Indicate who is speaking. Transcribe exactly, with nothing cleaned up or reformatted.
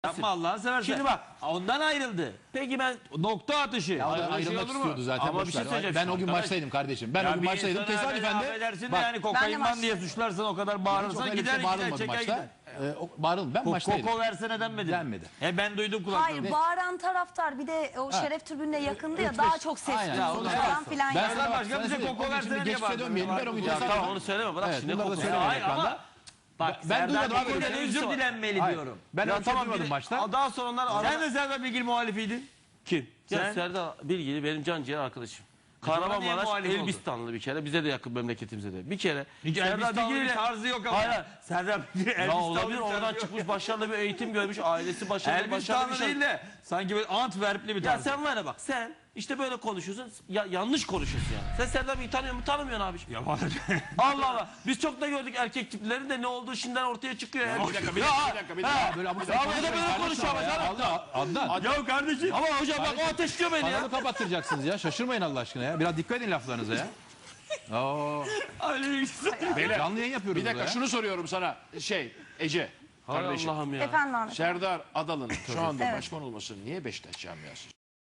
Speaker 1: Yapma Allah'ını seversen.
Speaker 2: Şimdi bak.
Speaker 1: Ondan ayrıldı.
Speaker 2: Peki ben
Speaker 1: Nokta atışı.
Speaker 3: Ya o da
Speaker 1: Öyle şey
Speaker 3: ayrılmak
Speaker 1: olur mu?
Speaker 3: istiyordu zaten.
Speaker 1: Ama
Speaker 3: boş
Speaker 1: bir şey
Speaker 3: ver.
Speaker 1: söyleyeceğim.
Speaker 3: Ben o gün
Speaker 1: Arkadaş,
Speaker 3: maçtaydım kardeşim. Ben
Speaker 1: ya
Speaker 3: o gün
Speaker 1: bir
Speaker 3: maçtaydım.
Speaker 1: insana
Speaker 3: Tesadüfen de
Speaker 1: affedersin de
Speaker 3: bak,
Speaker 1: yani kokainman diye suçlarsan o kadar bağırırsan
Speaker 3: çok
Speaker 1: gider
Speaker 3: gider,
Speaker 1: gider çeker gider.
Speaker 3: maçta. Ee, o- bağırıldı. Ben maçtaydım.
Speaker 1: Koko versene denmedi.
Speaker 3: Denmedi.
Speaker 1: He ben duydum kulaklarımda.
Speaker 4: Hayır, bağıran taraftar bir de o şeref tribününe yakındı ya, daha çok ses
Speaker 3: Aynen.
Speaker 4: duyuldu
Speaker 3: Ya,
Speaker 4: falan filan.
Speaker 3: Ben
Speaker 4: yani.
Speaker 1: Allah
Speaker 3: sana
Speaker 1: başka
Speaker 3: bak,
Speaker 1: bize
Speaker 3: sana
Speaker 1: koko
Speaker 3: söyleyeyim.
Speaker 1: versene
Speaker 3: Şimdi
Speaker 1: diye
Speaker 3: geçmişe
Speaker 1: bağırdım.
Speaker 3: dönmeyelim. Ben o gün
Speaker 1: Ya
Speaker 3: tesadüfen-
Speaker 2: Tamam onu söyleme bırak
Speaker 3: Evet,
Speaker 2: şimdi.
Speaker 3: bunları da
Speaker 2: koku-
Speaker 3: söylemeyelim
Speaker 2: Hayır
Speaker 3: ekranda.
Speaker 2: ama bak
Speaker 3: Ben
Speaker 2: Serdar
Speaker 3: duymadım abi.
Speaker 2: Bilgil'den
Speaker 3: Ben
Speaker 2: özür
Speaker 1: Özür dilenmeli
Speaker 3: Hayır.
Speaker 1: diyorum.
Speaker 3: Ben
Speaker 2: Ya
Speaker 3: öyle
Speaker 2: tamam,
Speaker 3: duymadım
Speaker 2: bir-
Speaker 3: maçta.
Speaker 2: Daha sonra onlar
Speaker 1: Sen de Serdar Bilgil muhalifiydin.
Speaker 2: kim? Ya
Speaker 1: Sen-
Speaker 2: Serdar Bilgili benim can ciğer arkadaşım.
Speaker 1: zaman niye
Speaker 2: Kahramanmaraş
Speaker 1: muhalif oldun?
Speaker 2: Elbistanlı bir kere. Bize de yakın memleketimize de. Bir kere
Speaker 1: Serdar
Speaker 2: Serdar
Speaker 1: Bilgil'in
Speaker 2: Bilgili
Speaker 1: tarzı yok ama.
Speaker 2: Hayır, hayır. Serdar Bilgili
Speaker 1: Ya
Speaker 2: Elbistanlı
Speaker 1: olabilir,
Speaker 2: bir oradan
Speaker 1: tarzı yok.
Speaker 2: çıkmış başarılı bir eğitim görmüş. Ailesi başarılı başarılı
Speaker 1: Elbistanlı
Speaker 2: bir şey.
Speaker 1: değil de sanki böyle Antwerpli bir
Speaker 2: Ya
Speaker 1: tarz.
Speaker 2: sen var ya bak sen işte böyle konuşuyorsun. Ya, yanlış konuşuyorsun yani. Sen Serdar Bilgili tanıyor musun? Tanımıyorsun abi.
Speaker 1: Ya var.
Speaker 2: Allah Allah. Biz çok da gördük erkek tiplerin de ne olduğu şimdiden ortaya çıkıyor. Ya,
Speaker 3: Bir dakika, bir dakika, bir dakika, bir dakika. Böyle abuk
Speaker 2: Ya
Speaker 3: sabuk
Speaker 2: bu da böyle
Speaker 3: konuşmayın
Speaker 2: konuşuyor ama
Speaker 3: kardeşim
Speaker 2: canım.
Speaker 3: ya. Adnan, Adnan.
Speaker 1: Ya kardeşim.
Speaker 2: Ama hocam bak o ateşliyor beni ya.
Speaker 3: Kanalı kapattıracaksınız ya. Şaşırmayın Allah aşkına ya. Biraz dikkat edin laflarınıza ya. Oo.
Speaker 1: Öyle bir şey.
Speaker 5: Beyler,
Speaker 3: Canlı yayın yapıyoruz
Speaker 5: bir dakika
Speaker 3: burada ya.
Speaker 5: şunu soruyorum sana. Şey Ece
Speaker 2: Hay
Speaker 5: kardeşim.
Speaker 2: Allah'ım ya.
Speaker 4: Efendim Ahmet.
Speaker 5: Serdar Adalı'nın şu anda
Speaker 4: Evet.
Speaker 5: başkan olmasını niye Beşiktaş camiası